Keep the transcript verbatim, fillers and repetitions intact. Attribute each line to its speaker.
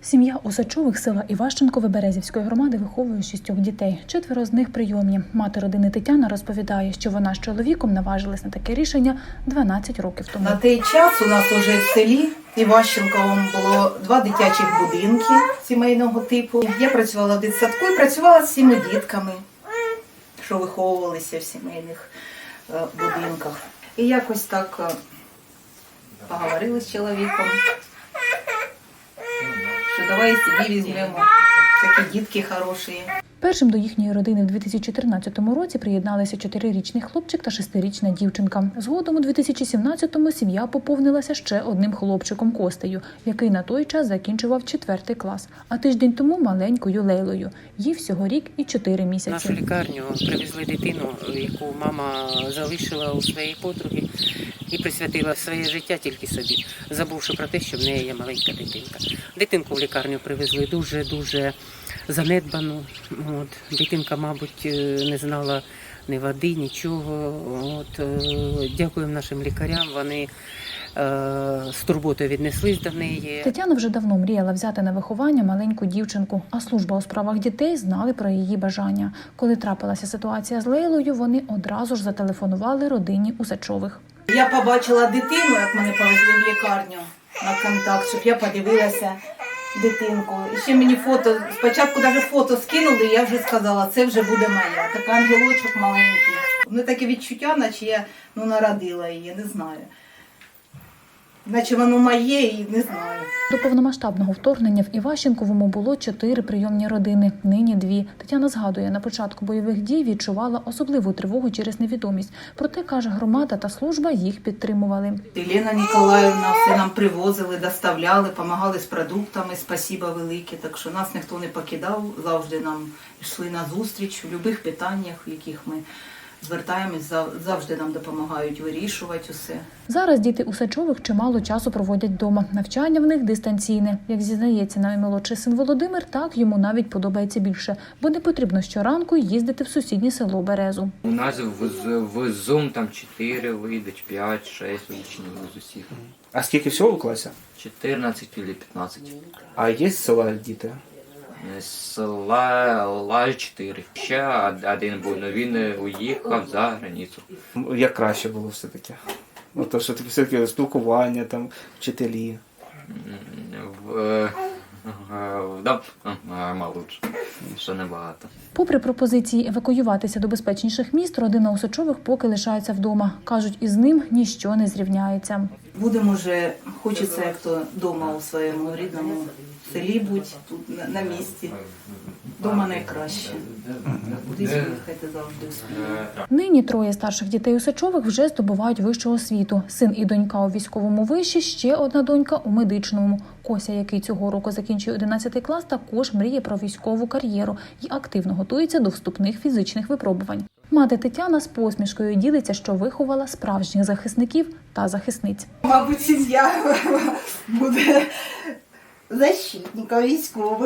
Speaker 1: Сім'я Усачових села Іващенкове Березівської громади виховує шістьох дітей. Четверо з них прийомні. Мати родини Тетяна розповідає, що вона з чоловіком наважилась на таке рішення дванадцять років тому.
Speaker 2: На той час у нас уже в селі Іващенковому було два дитячих будинки сімейного типу. Я працювала в дитсадку і працювала з цими дітками, що виховувалися в сімейних будинках. І якось так поговорили з чоловіком, що давай собі візьмемо, такі дітки хороші.
Speaker 1: Першим до їхньої родини в дві тисячі чотирнадцятому році приєдналися чотирирічний хлопчик та шестирічна дівчинка. Згодом у дві тисячі сімнадцятому сім'я поповнилася ще одним хлопчиком Костею, який на той час закінчував четвертий клас. А тиждень тому маленькою Лейлою. Їй всього рік і чотири місяці.
Speaker 3: В нашу лікарню привезли дитину, яку мама залишила у своєї подруги і присвятила своє життя тільки собі, забувши про те, що в неї є маленька дитинка. Дитинку в лікарню привезли дуже-дуже занедбану. От. Дитинка, мабуть, не знала ні води, нічого. От. Дякуємо нашим лікарям, вони з турботою віднеслись до неї.
Speaker 1: Тетяна вже давно мріяла взяти на виховання маленьку дівчинку, а служба у справах дітей знали про її бажання. Коли трапилася ситуація з Лейлою, вони одразу ж зателефонували родині Усачових.
Speaker 2: Я побачила дитину, як мене повезли в лікарню на контакт, щоб я подивилася дитинку. І ще мені фото, спочатку навіть фото скинули, і я вже сказала, це вже буде моя. Така ангелочок маленький. Ну таке відчуття, наче я ну, народила її, не знаю. Наче воно моє і не знаю.
Speaker 1: До повномасштабного вторгнення в Іващенковому було чотири прийомні родини, нині дві. Тетяна згадує, на початку бойових дій відчувала особливу тривогу через невідомість. Проте, каже, громада та служба їх підтримували.
Speaker 2: Лена Ніколаївна все нам привозили, доставляли, допомагали з продуктами, спасіба велике. Так що нас ніхто не покидав, завжди нам йшли на зустріч у будь-яких питаннях, в яких ми звертаємось, завжди нам допомагають вирішувати усе.
Speaker 1: Зараз діти Усачових чимало часу проводять вдома. Навчання в них дистанційне. Як зізнається наймолодший син Володимир, так йому навіть подобається більше, бо не потрібно щоранку їздити в сусіднє село Березу.
Speaker 4: У нас в, в Zoom там чотири вийдуть, п'ять, шість учнів з усіх.
Speaker 5: А скільки всього в класі?
Speaker 4: чотирнадцять або п'ятнадцять.
Speaker 5: А є з села діти?
Speaker 4: З села чотири. Ще один був, але він уїхав за границю.
Speaker 5: Як краще було все-таки? Ну, то, що таке все-таки спілкування, там, вчителі.
Speaker 4: В, да, мало лучше, що небагато.
Speaker 1: Попри пропозиції евакуюватися до безпечніших міст, родина Усачових поки лишається вдома. Кажуть, із ним ніщо не зрівняється.
Speaker 2: Будемо вже, хочеться як то вдома у своєму рідному селі бути, тут на, на місці. Дома найкраще. Кудись виїхати завжди успіємо.
Speaker 1: Нині троє старших дітей Усачових вже здобувають вищу освіту. Син і донька у військовому виші, ще одна донька у медичному. Кося, який цього року закінчує одинадцятий клас, також мріє про військову кар'єру і активно готується до вступних фізичних випробувань. Мати Тетяна з посмішкою ділиться, що виховала справжніх захисників та захисниць.
Speaker 2: Мабуть, сім'я буде защитником військових.